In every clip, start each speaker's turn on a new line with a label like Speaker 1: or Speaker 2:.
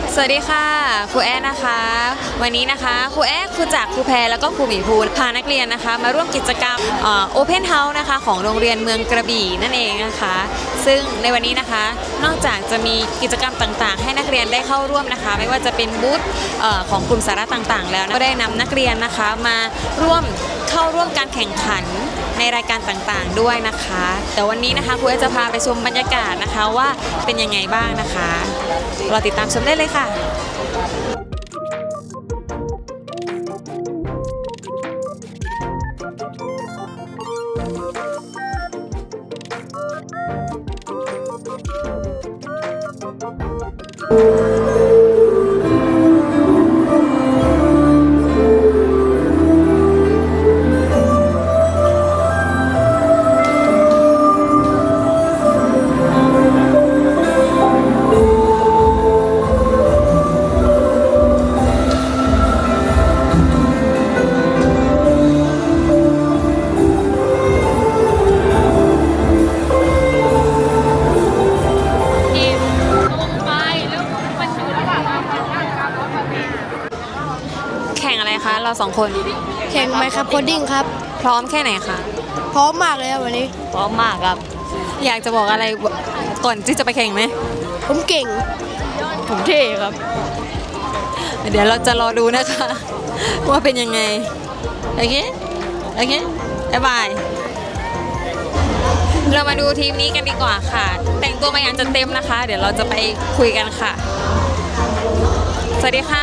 Speaker 1: สวัสดีค่ะครูแอ๊นะคะวันนี้นะคะครูแอ๊ครูจักรครูแพรแล้วก็ครูหมีภูพานักเรียนนะคะมาร่วมกิจกรรมOpen House นะคะของโรงเรียนเมืองกระบี่นั่นเองนะคะซึ่งในวันนี้นะคะนอกจากจะมีกิจกรรมต่างๆให้นักเรียนได้เข้าร่วมนะคะไม่ว่าจะเป็นบูธของกลุ่มสาระต่างๆแล้วก็ได้นำนักเรียนนะคะมาเข้าร่วมการแข่งขันในรายการต่างๆด้วยนะคะแต่วันนี้นะคะครูแอ๊จะพาไปชมบรรยากาศนะคะว่าเป็นยังไงบ้างนะคะเราติดตามชมได้เลยค่ะแข่งอะไรคะเราสองคน
Speaker 2: แข่งไหมครับโคดดิ้งครับ
Speaker 1: พร้อมแค่ไหนคะ
Speaker 2: พร้อมมากเลยครับวันนี้
Speaker 1: พร้อมมากครับอยากจะบอกอะไรก่อนที่จะไปแข่งไหม
Speaker 2: ผมเก่งผมเท่ครับ
Speaker 1: เดี๋ยวเราจะรอดูนะคะว่าเป็นยังไงโอเคบ๊ายบายเรามาดูทีมนี้กันดีกว่าค่ะแต่งตัวมาอย่างจะเต็มนะคะเดี๋ยวเราจะไปคุยกันค่ะสวัสดีค่ะ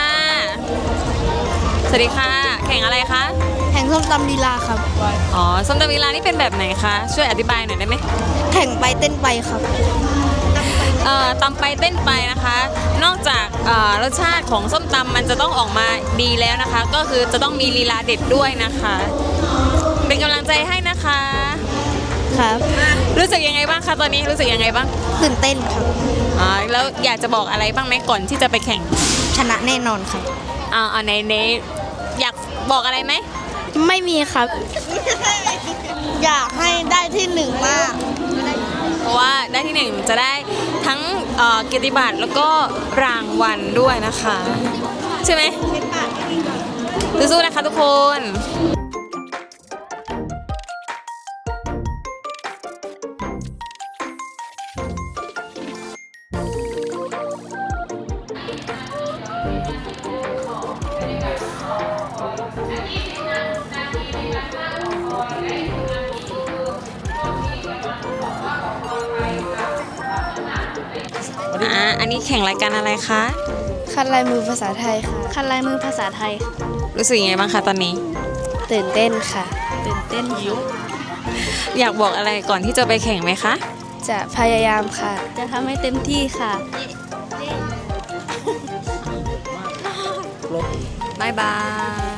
Speaker 1: แข่งอะไรคะ
Speaker 2: แข่งส้มตำลีลาครับ
Speaker 1: อ๋อส้มตำลีลานี่เป็นแบบไหนคะช่วยอธิบายหน่อยได้ไหม
Speaker 2: แข่งไปเต้นไปครับ
Speaker 1: ตำไปเต้นไปนะคะนอกจากรสชาติของส้มตำมันจะต้องออกมาดีแล้วนะคะก็คือจะต้องมีลีลาเด็ดด้วยนะคะเป็นกำลังใจให้นะคะ
Speaker 2: ครับ
Speaker 1: รู้สึกยังไงบ้างคะตอนนี้รู้สึกยังไงบ้าง
Speaker 2: ตื่นเต้นครับ
Speaker 1: แล้วอยากจะบอกอะไรบ้างไหมก่อนที่จะไปแข่ง
Speaker 2: ชนะแน่นอนครับ
Speaker 1: ในอยากบอกอะไรไหม
Speaker 2: ไม่มีครับอยากให้ได้ที่หนึ่งมาก
Speaker 1: เพราะว่าได้ที่หนึ่งจะได้ทั้งเกียรติบัตรแล้วก็รางวัลด้วยนะคะใช่ไหมสู้ๆนะคะทุกคนอันนี้แข่งรายการอะไรคะ
Speaker 2: คัดลายมือภาษาไทยค่ะคัดลายมือภาษาไทย
Speaker 1: รู้สึกยังไงบ้างคะตอนนี้
Speaker 2: ตื่นเต้นค่ะตื่นเต้นค่ะ
Speaker 1: อยากบอกอะไรก่อนที่จะไปแข่งไหมคะ
Speaker 2: จะพยายามค่ะจะทำให้เต็มที่ค่ะ
Speaker 1: บ๊ายบาย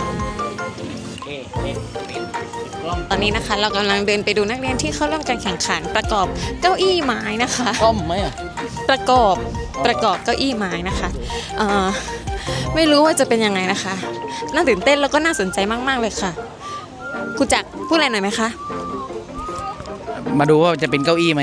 Speaker 1: ตอนนี้นะคะเรากำลังเดินไปดูนักเรียนที่เข้าร่วมการแข่งขันประกอบเก้าอี้ไม้นะคะ
Speaker 3: ต้มไหม
Speaker 1: ประกอบเก้าอี้ไม้นะคะไม่รู้ว่าจะเป็นยังไงนะคะน่าตื่นเต้นแล้วก็น่าสนใจมากๆเลยค่ะครูจักรพูดอะไรหน่อยไหมคะ
Speaker 3: มาดูว่าจะเป็นเก้าอี้ไหม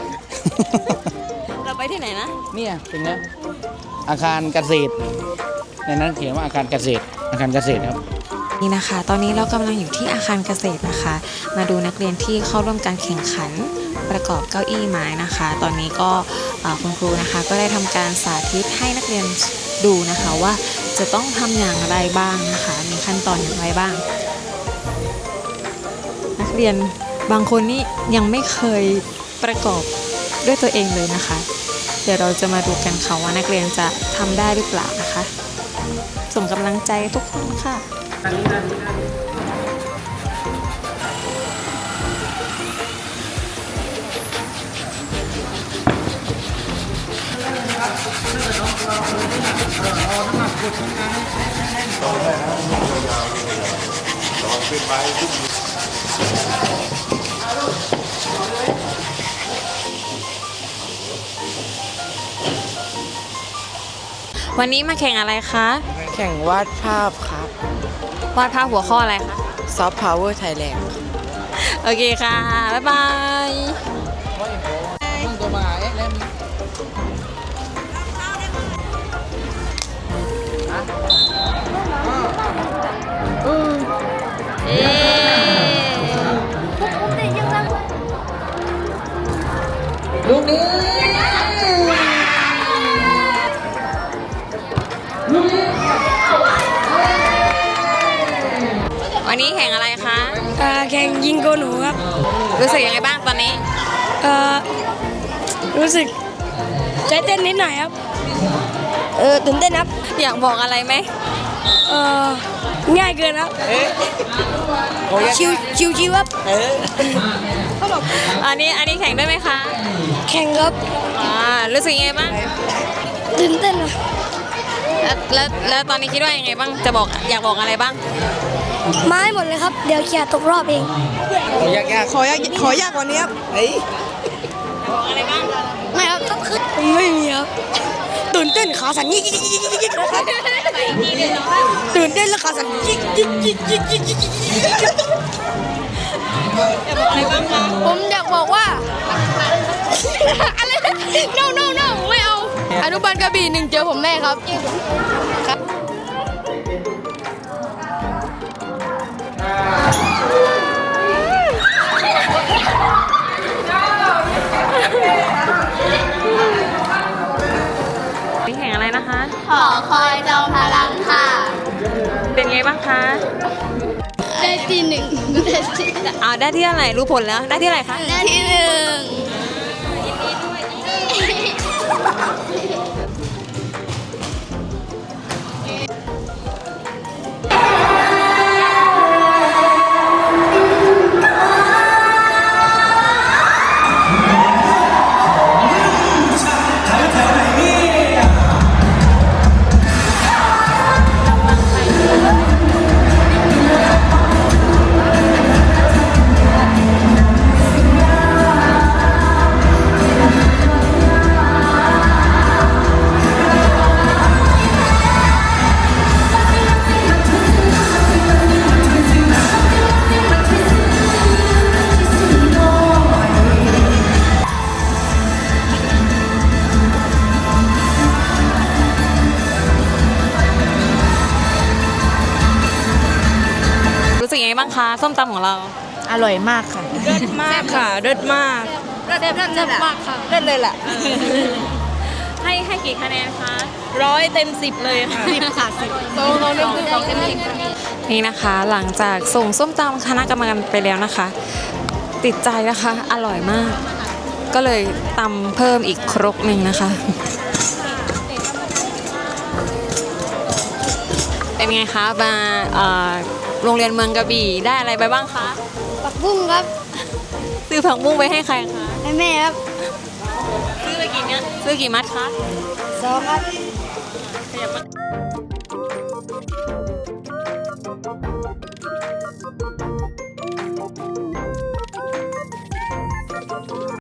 Speaker 1: เราไปที่ไหนนะ
Speaker 3: เนี่ยเป็นไงอาคารเกษตรในนั้นเขียนว่าอาคารเกษตรครับ
Speaker 1: นี่นะคะตอนนี้เรากำลังอยู่ที่อาคารเกษตรนะคะมาดูนักเรียนที่เข้าร่วมการแข่งขันประกอบเก้าอี้ไม้นะคะตอนนี้ก็คุณครูนะคะก็ได้ทำการสาธิตให้นักเรียนดูนะคะว่าจะต้องทำอย่างไรบ้างนะคะมีขั้นตอนอย่างไรบ้างนักเรียนบางคนนี่ยังไม่เคยประกอบด้วยตัวเองเลยนะคะเดี๋ยวเราจะมาดูกันค่ะว่านักเรียนจะทำได้หรือเปล่านะคะส่งกำลังใจทุกคนค่ะวันนี้มาแข่งอะไรคะ
Speaker 4: แข่งวาดภาพครับ
Speaker 1: วาดภาพหัวข้ออะไรคะ
Speaker 4: Soft Power Thailand
Speaker 1: โอเคค่ะ บ๊ายบายเอ๊ลูกนี้วันนี้แข่งอะไรคะ
Speaker 2: แข่งยิงโกหนูครับ
Speaker 1: รู้สึกยังไงบ้างตอนนี้
Speaker 2: รู้สึกใจเต้นนิดหน่อยครับ ตื่นเต้นครับ
Speaker 1: อยากบอกอะไรไหม
Speaker 2: ง่ายเกินครับชิวครับ
Speaker 1: อันนี้แข่งด้วยไหมคะ
Speaker 2: แข่งครับ
Speaker 1: รู้สึกยังไงบ้าง
Speaker 2: ตื่นเต้นครับ
Speaker 1: แล้วตอนนี้คิดว่ายังไงบ้างจะบอกอยากบอกอะไรบ้าง
Speaker 2: มาให้หมดเลยครับ เดี๋ยวเคลียร์ตกรอบเอง
Speaker 4: ขอยากกว่านี้ครับ
Speaker 1: บอกอะไรบ้าง
Speaker 2: ไม่ครับต้องขึ้นไม่มีครับตื่นเต้นขาสั่นยิกนะครับตื่นเต้นแล้วขาสั่นยิก
Speaker 1: อะไรบ้างคะ
Speaker 2: ผมอยากบอกว่าอะไร no ไม่เอาอนุบาลกระบี่หนึ่งเจอผมแน่ครับครับ
Speaker 1: นี่แข่งอะไรนะคะ
Speaker 2: ขอคอยจอมพลังค่ะ
Speaker 1: เป็นไงบ้างคะ
Speaker 2: ได้ที่หนึ่งได้ที่
Speaker 1: ได้ที่อะไรรู้ผลแล้วได้ที่อะไรคะ
Speaker 2: ได้ที่หนึ่ง
Speaker 1: รู้สึกยังไงบ้างคะส้มตำของเรา
Speaker 4: อร่อยมากค่ะเลิศมากค่ะเลิศมาก
Speaker 2: เลิศมากค่ะ
Speaker 4: เลิศเลยแหละ
Speaker 1: ให้กี่คะแนนคะ
Speaker 4: 100 เต็ม 10 เลยค่ะ
Speaker 2: 10 ค่ะ 10โตเราเล่นคือ2เต็ม 10
Speaker 1: นี่นะคะหลังจากส่งส้มตำคณะกรรมการไปแล้วนะคะ ติดใจนะคะอร่อยมาก ก็เลยตำเพิ่มอีกครกหนึ่งนะคะ เป็นไงคะมาโรงเรียนเมืองกระบี่ได้อะไรไปบ้างคะ
Speaker 2: ปักบุ้งครับ
Speaker 1: ซื้อผักบุ้งไปให้ใครคะ
Speaker 2: ให้แม่ครับ
Speaker 1: ซื้อไปกี่เนี่ยซื้อกี่มัดคะ
Speaker 2: 2ครับ
Speaker 1: ขยับมา